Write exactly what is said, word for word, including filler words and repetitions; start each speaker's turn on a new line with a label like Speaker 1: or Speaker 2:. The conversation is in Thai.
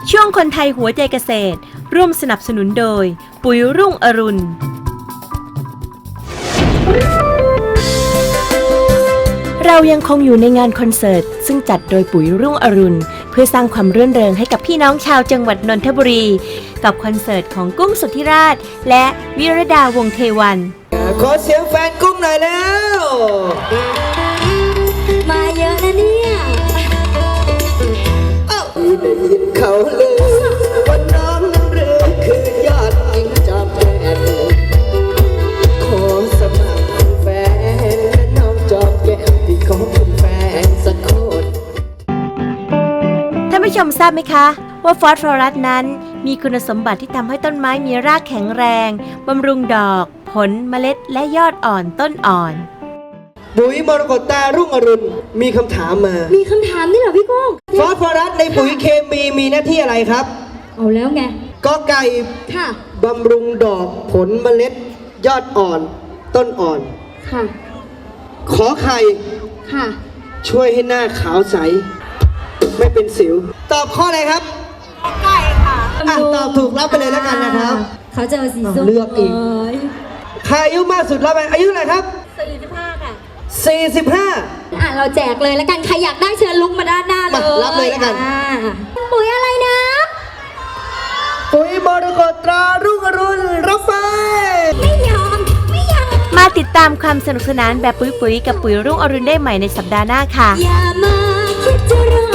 Speaker 1: ช่วงคนไทยหัวใจเกษตรร่วมสนับสนุนโดยปุ๋ยรุ่งอรุณเรายังคงอยู่ในงานคอนเสิร์ตซึ่งจัดโดยปุ๋ยรุ่งอรุณเพื่อสร้างความรื่นเริงให้กับพี่น้องชาวจังหวัดนนทบุรีกับคอนเสิร์ตของกุ้งสุทธิราชและวิรดาวงศ์เทวัน
Speaker 2: ขอเสียงแฟนกุ้งหน่อยแล้ว
Speaker 3: มาเยอะนะเนี่ย
Speaker 2: ได้ยินเขาเลยว่าน้องนั้นเรือคือยอดหญิงจอมแก่นขอสมัครเป็นแฟนและน้องจอมแก่นที่ขอเป็นแฟนสักคน
Speaker 1: ท่านผู้ชมทราบไหมคะว่าฟอสฟอรัสนั้นมีคุณสมบัติที่ทำให้ต้นไม้มีรากแข็งแรงบำรุงดอกผลเมล็ดและยอดอ่อนต้นอ่อน
Speaker 2: ปุ๋ยมรกตตารุ่งอรุณมีคำถามมา
Speaker 3: มีคำถามนี่เหรอพี่กุ้ง
Speaker 2: ฟอสฟอรัสในปุ๋ยเคมีมีหน้าที่อะไรครับ
Speaker 3: เอาแล้วไง
Speaker 2: กอไก่
Speaker 3: ค่ะ
Speaker 2: บำรุงดอกผลเมล็ดยอดอ่อนต้นอ่อน
Speaker 3: ค่ะ
Speaker 2: ขอไข่
Speaker 3: ค่ะ
Speaker 2: ช่วยให้หน้าขาวใสไม่เป็นสิวตอบข้ออะไรครับ
Speaker 3: กอไก่ค่ะ
Speaker 2: อ่ะตอบถูกรับไปเลยแล้วกันนะครับ
Speaker 3: เขาจะเอาสีส้ม
Speaker 2: เลือกอีกใครอายุมากสุดรับไปอายุเท่าไหร่ครับ
Speaker 3: สี่สิบห้าค่ะ
Speaker 2: สี่สิบห้า
Speaker 3: อ่ะเราแจกเลยแล้วกันใครอยากได้เชิญลุกมาด้านหน้าเลย
Speaker 2: รับเลยแล้วกัน
Speaker 3: ปุ๋ยอะไรนะ
Speaker 2: ปุ๋ยมรกตตรารุ่งอรุณรับไป
Speaker 3: ไม่ยอมไม่ยอม
Speaker 1: มาติดตามความสนุกสนานแบบปุ๋ยๆกับปุ๋ยรุ่งอรุณได้ใหม่ในสัปดาห์หน้าค่ะ
Speaker 3: อย่ามาคิดจะรอ